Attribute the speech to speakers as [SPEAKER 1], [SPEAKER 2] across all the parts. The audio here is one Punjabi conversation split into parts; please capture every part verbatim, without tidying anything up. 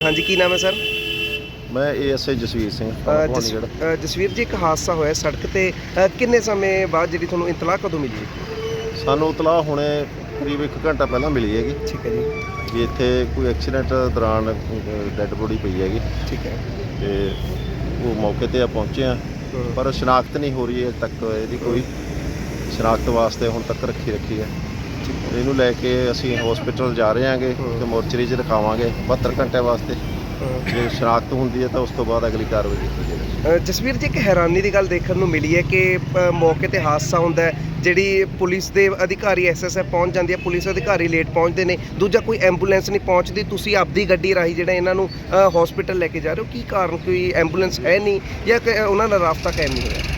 [SPEAKER 1] हाँ जी, की नाम है सर?
[SPEAKER 2] मैं एएसआई जसवीर सिंह
[SPEAKER 1] ਅ, ਜਸ- ਅ, ਜਸਵੀਰ ਜੀ, ਇੱਕ ਹਾਦਸਾ ਹੋਇਆ ਸੜਕ ਤੇ ਅ, ਕਿੰਨੇ ਸਮੇਂ ਬਾਅਦ ਜਿਹੜੀ ਤੁਹਾਨੂੰ ਇਤਲਾਹ ਕਦੋਂ ਮਿਲੀ?
[SPEAKER 2] ਸਾਨੂੰ ਇਤਲਾਹ ਹੁਣੇ ਕਰੀਬ ਇੱਕ ਘੰਟਾ ਪਹਿਲਾਂ ਮਿਲੀ ਹੈਗੀ
[SPEAKER 1] ਠੀਕ ਹੈ ਜੀ।
[SPEAKER 2] ਵੀ ਇੱਥੇ ਕੋਈ ਐਕਸੀਡੈਂਟ ਦੌਰਾਨ ਡੈੱਡ ਬੋਡੀ ਪਈ ਹੈਗੀ
[SPEAKER 1] ਠੀਕ ਹੈ।
[SPEAKER 2] ਤੇ ਉਹ ਮੌਕੇ ਤੇ ਆ ਪਹੁੰਚੇ ਆ,
[SPEAKER 1] ਹਮ,
[SPEAKER 2] ਪਰ ਸ਼ਨਾਖਤ ਨਹੀਂ ਹੋ ਰਹੀ ਹੈ ਤੱਕ, ਇਹਦੀ ਕੋਈ ਸ਼ਨਾਖਤ ਵਾਸਤੇ ਹੁਣ ਤੱਕ ਰੱਖੀ ਰੱਖੀ ਹੈ।
[SPEAKER 1] ਠੀਕ ਹੈ।
[SPEAKER 2] ਇਹਨੂੰ ਲੈ ਕੇ ਅਸੀਂ ਹਸਪੀਟਲ ਜਾ ਰਹੇ ਹਾਂਗੇ
[SPEAKER 1] ਹਮ।
[SPEAKER 2] ਤੇ ਮੋਰਚਰੀ 'ਚ ਰਖਾਵਾਂਗੇ ਬਹੱਤਰ ਘੰਟੇ ਵਾਸਤੇ।
[SPEAKER 1] ਅ,
[SPEAKER 2] ਜੇ ਸ਼ਨਾਖਤ ਹੁੰਦੀ ਹੈ ਤਾਂ ਉਸ ਤੋਂ ਬਾਅਦ ਅਗਲੀ ਕਾਰਵਾਈ ਕੀਤੀ ਜਾਵੇਗੀ।
[SPEAKER 1] ਅ, ਜਸਵੀਰ ਜੀ, ਇੱਕ ਹੈਰਾਨੀ ਦੀ ਗੱਲ ਦੇਖਣ ਨੂੰ ਮਿਲੀ ਹੈ ਕਿ ਅ, ਮੌਕੇ ਤੇ ਹਾਦਸਾ ਹੁੰਦਾ ਹੈ, ਜਿਹੜੀ ਪੁਲਿਸ ਦੇ ਅਧਿਕਾਰੀ ਐਸਐਸਐਫ ਪਹੁੰਚ ਜਾਂਦੀ ਹੈ, ਪੁਲਿਸ ਅਧਿਕਾਰੀ ਲੇਟ ਪਹੁੰਚਦੇ ਨੇ, ਦੂਜਾ ਕੋਈ ਐਂਬੂਲੈਂਸ ਨਹੀਂ ਪਹੁੰਚਦੀ, ਤੁਸੀਂ ਆਪਦੀ ਗੱਡੀ ਰਾਹੀਂ ਜਿਹੜਾ ਇਹਨਾਂ ਨੂੰ ਹਸਪੀਟਲ ਲੈ ਕੇ ਜਾ ਰਹੇ ਹੋ, ਕੀ ਕਾਰਨ? ਕੋਈ ਐਂਬੂਲੈਂਸ ਹੈ ਨਹੀਂ ਜਾਂ ਕਿ ਉਹਨਾਂ ਨਾਲ ਰਾਬਤਾ ਕਾਇਮ ਨਹੀਂ ਹੋਇਆ?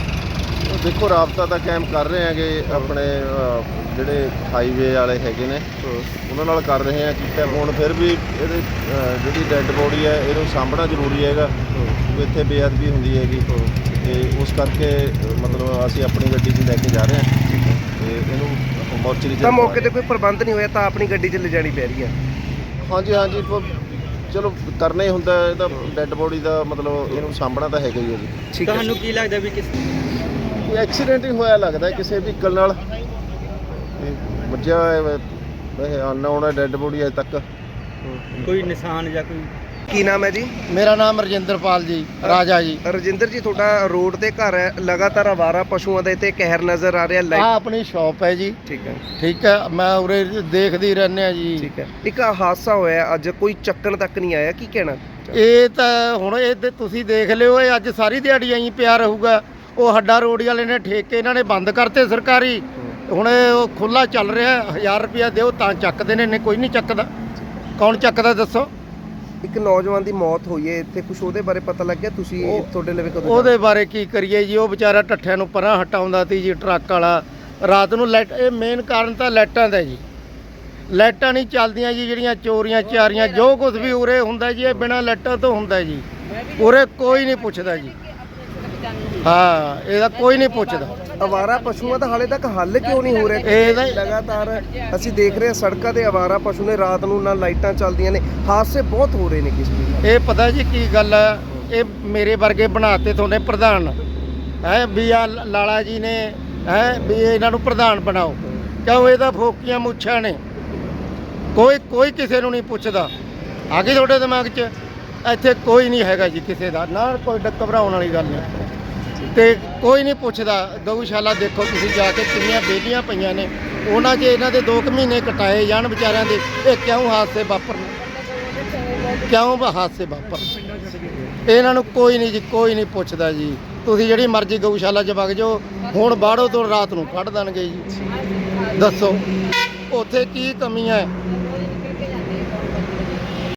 [SPEAKER 2] ਉਹ ਦੇਖੋ, ਰਾਬਤਾ ਤਾਂ ਕਾਇਮ ਕਰ ਰਹੇ ਹੈਗੇ ਆਪਣੇ ਅ, ਜਿਹੜੇ ਹਾਈਵੇ ਵਾਲੇ ਹੈਗੇ ਨੇ ਉਹਨਾਂ ਨਾਲ ਕਰ ਰਹੇ ਆ ਕੀਤਾ। ਹੁਣ ਫਿਰ ਵੀ ਇਹਦੇ ਅ, ਜਿਹੜੀ ਡੈੱਡ ਬੋਡੀ ਹੈ ਇਹਨੂੰ ਸਾਂਭਣਾ ਜ਼ਰੂਰੀ ਹੈਗਾ, ਕਿਉਂਕਿ ਇੱਥੇ ਬੇਅਦਬੀ ਹੁੰਦੀ ਹੈਗੀ ਤੇ ਉਸ ਕਰਕੇ ਅ, ਮਤਲਬ ਅਸੀਂ ਆਪਣੀ ਗੱਡੀ 'ਚ ਲੈ ਕੇ ਜਾ ਰਹੇ ਹਾਂ ਤੇ ਇਹਨੂੰ ਮੋਰਚਰੀ 'ਚ
[SPEAKER 1] ਤਾਂ ਮੌਕੇ ਤੇ ਕੋਈ ਪ੍ਰਬੰਧ ਨਹੀਂ ਹੋਇਆ ਤਾਂ ਆਪਣੀ ਗੱਡੀ 'ਚ ਲਿਜਾਣੀ ਪੈ ਰਹੀ ਹੈ?
[SPEAKER 2] ਹਾਂਜੀ ਹਾਂਜੀ ਪ- ਚਲੋ ਕਰਨਾ ਹੀ ਹੁੰਦਾ, ਇਹਦਾ ਡੈੱਡ ਬੋਡੀ ਦਾ ਮਤਲਬ ਇਹਨੂੰ ਸਾਂਭਣਾ ਤਾਂ ਹੈਗਾ ਹੀ ਹੈ ਜੀ।
[SPEAKER 1] ਠੀਕ ਹੈ।
[SPEAKER 3] ਤੁਹਾਨੂੰ ਕੀ ਲੱਗਦਾ ਵੀ ਕਿਸ
[SPEAKER 2] ਕੋਈ ਐਕਸੀਡੈਂਟ ਹੀ ਹੋਇਆ ਲੱਗਦਾ ਕਿਸੇ ਵਹੀਕਲ ਨਾਲ, ਤੇ ਵੱਜਿਆ ਹੋਇਆ ਵੈਸੇ ਅਨਨੋਨ ਹੈ ਡੈੱਡ ਬੋਡੀ ਅਜੇ ਤੱਕ।
[SPEAKER 3] ਕੋਈ ਨਿਸ਼ਾਨ ਜਾਂ ਕੋਈ?
[SPEAKER 1] ਕੀ ਨਾਮ ਹੈ ਜੀ?
[SPEAKER 4] ਮੇਰਾ ਨਾਮ ਰਜਿੰਦਰਪਾਲ ਜੀ, ਰਾਜਾ ਜੀ।
[SPEAKER 1] ਰਜਿੰਦਰ ਜੀ, ਤੁਹਾਡਾ ਰੋਡ ਤੇ ਘਰ ਹੈ, ਲਗਾਤਾਰ ਆਵਾਰਾ ਪਸ਼ੂਆਂ ਦਾ ਇੱਥੇ ਕਹਿਰ ਨਜ਼ਰ ਆ ਰਿਹਾ।
[SPEAKER 4] ਆ
[SPEAKER 1] ਲਾਈਟ
[SPEAKER 4] ਆਪਣੀ ਸ਼ਾਪ ਹੈ ਜੀ।
[SPEAKER 1] ਠੀਕ ਹੈ।
[SPEAKER 4] ਠੀਕ ਹੈ, ਮੈਂ ਉਰੇ ਦੇਖਦੀ ਰਹਿੰਦੇ ਆ ਜੀ।
[SPEAKER 1] ਠੀਕ ਹੈ। ਇੱਕ ਹਾਦਸਾ ਹੋਇਆ ਅੱਜ, ਕੋਈ ਚੱਕਣ ਤੱਕ ਨਹੀਂ ਆਇਆ, ਕੀ ਕਹਿਣਾ?
[SPEAKER 4] ਇਹ ਤਾਂ ਹੁਣ ਇਹ ਤੇ ਤੁਸੀਂ ਦੇਖ ਲਿਓ, ਇਹ ਅੱਜ ਸਾਰੀ ਦਿਹਾੜੀ ਐਂ ਪਿਆ ਰਹੂਗਾ। ਉਹ ਹੱਡਾ ਰੋੜੀ ਵਾਲੇ ਨੇ ਠੇਕੇ ਇਹਨਾਂ ਨੇ ਬੰਦ ਕਰਤੇ ਸਰਕਾਰੀ, ਹੁਣ ਇਹ ਉਹ ਖੁੱਲਾ ਚੱਲ ਰਿਹਾ। ਹਜ਼ਾਰ ਰੁਪਇਆ ਦਿਓ ਤਾਂ ਚੱਕਦੇ ਨੇ, ਨਹੀਂ ਕੋਈ ਨਹੀਂ ਚੱਕਦਾ। ਕੌਣ ਚੱਕਦਾ ਦੱਸੋ?
[SPEAKER 1] ਇੱਕ ਨੌਜਵਾਨ ਦੀ ਮੌਤ ਹੋਈ ਹੈ ਇੱਥੇ, ਕੁਝ ਉਹਦੇ ਬਾਰੇ ਪਤਾ ਲੱਗਿਆ? ਤੁਸੀਂ
[SPEAKER 4] ਉਹ-
[SPEAKER 1] ਤੁਹਾਡੇ ਲਵੇ ਕਦੋਂ?
[SPEAKER 4] ਉਹਦੇ ਬਾਰੇ ਕੀ ਕਰੀਏ ਜੀ, ਉਹ ਵਿਚਾਰਾ ਠੱਠਿਆਂ ਨੂੰ ਪਰਾਂ ਹਟਾਉਂਦਾ ਸੀ ਜੀ ਟਰੱਕ ਵਾਲਾ। ਰਾਤ ਨੂੰ ਲਾਈਟ, ਇਹ ਮੇਨ ਕਾਰਨ ਤਾਂ ਲਾਈਟਾਂ ਦਾ ਜੀ। ਲਾਈਟਾਂ ਨਹੀਂ ਚੱਲਦੀਆਂ ਜੀ, ਜਿਹੜੀਆਂ ਚੋਰੀਆਂ ਚਾਰੀਆਂ ਜੋ ਕੁਝ ਵੀ ਉਰੇ ਹੁੰਦਾ ਜੀ, ਇਹ ਬਿਨਾਂ ਲਾਈਟਾਂ ਤੋਂ ਹੁੰਦਾ ਜੀ। ਉਰੇ ਕੋਈ ਨਹੀਂ ਪੁੱਛਦਾ ਜੀ। ਹਾਂ, ਇਹਦਾ ਕੋਈ ਨਹੀਂ ਪੁੱਛਦਾ।
[SPEAKER 1] ਅਵਾਰਾ ਪਸ਼ੂਆਂ ਦਾ ਹਾਲੇ ਤੱਕ ਹੱਲ ਕਿਉਂ ਨਹੀਂ ਹੋ ਰਿਹਾ?
[SPEAKER 4] ਇਹਦਾ-
[SPEAKER 1] ਲਗਾਤਾਰ ਅਸੀਂ ਦੇਖ ਰਹੇ ਹਾਂ ਸੜਕਾਂ ਤੇ ਅਵਾਰਾ ਪਸ਼ੂ ਨੇ, ਰਾਤ ਨੂੰ ਨਾ ਲਾਈਟਾਂ ਚੱਲਦੀਆਂ ਨੇ, ਹਾਦਸੇ ਬਹੁਤ ਹੋ ਰਹੇ ਨੇ ਕਿਸ ਵੀ।
[SPEAKER 4] ਇਹ ਪਤਾ ਜੀ ਕੀ ਗੱਲ ਹੈ, ਇਹ ਮੇਰੇ ਵਰਗੇ ਬਣਾਤੇ ਤੁਹਾਡੇ ਪ੍ਰਧਾਨ ਹੈ ਵੀ ਆ ਲਾਲਾ ਜੀ ਨੇ, ਹੈ ਵੀ ਇਹਨਾਂ ਨੂੰ ਪ੍ਰਧਾਨ ਬਣਾਓ। ਕਿਉਂ? ਇਹਦਾ ਫੋਕੀਆਂ ਮੁੱਛਾਂ ਨੇ, ਕੋਈ ਕੋਈ ਕਿਸੇ ਨੂੰ ਨਹੀਂ ਪੁੱਛਦਾ। ਆ ਗਈ ਤੁਹਾਡੇ ਦਿਮਾਗ 'ਚ? ਇੱਥੇ ਕੋਈ ਨਹੀਂ ਹੈਗਾ ਜੀ ਕਿਸੇ ਦਾ, ਨਾ ਕੋਈ ਡ- ਘਬਰਾਉਣ ਵਾਲੀ ਗੱਲ ਨਹੀਂ ਤੇ ਕੋਈ ਨਹੀਂ ਪੁੱਛਦਾ। ਗਊਸ਼ਾਲਾ ਦੇਖੋ ਤੁਸੀਂ ਜਾ ਕੇ, ਕਿੰਨੀਆਂ ਬੇਲੀਆਂ ਪਈਆਂ ਨੇ, ਉਹਨਾਂ 'ਚ ਇਹਨਾਂ ਦੇ ਦੋ ਕੁ ਮਹੀਨੇ ਕਟਾਏ ਜਾਣ ਵਿਚਾਰਿਆਂ ਦੇ। ਇਹ ਕਿਉਂ ਹਾਦਸੇ ਵਾਪਰਨ? ਕਿਉਂ ਵਾ ਹਾਦਸੇ ਵਾਪਰ? ਇਹਨਾਂ ਨੂੰ ਕੋਈ ਨਹੀਂ ਜੀ, ਕੋਈ ਨਹੀਂ ਪੁੱਛਦਾ ਜੀ। ਤੁਸੀਂ ਜਿਹੜੀ ਮਰਜ਼ੀ ਗਊਸ਼ਾਲਾ 'ਚ ਵਗ ਜਾਓ, ਹੁਣ ਬਾੜੋ ਤੋਂ ਰਾਤ ਨੂੰ ਕੱਢ ਦੇਣਗੇ ਜੀ। ਦੱਸੋ ਉੱਥੇ ਕੀ ਕਮੀ ਹੈ?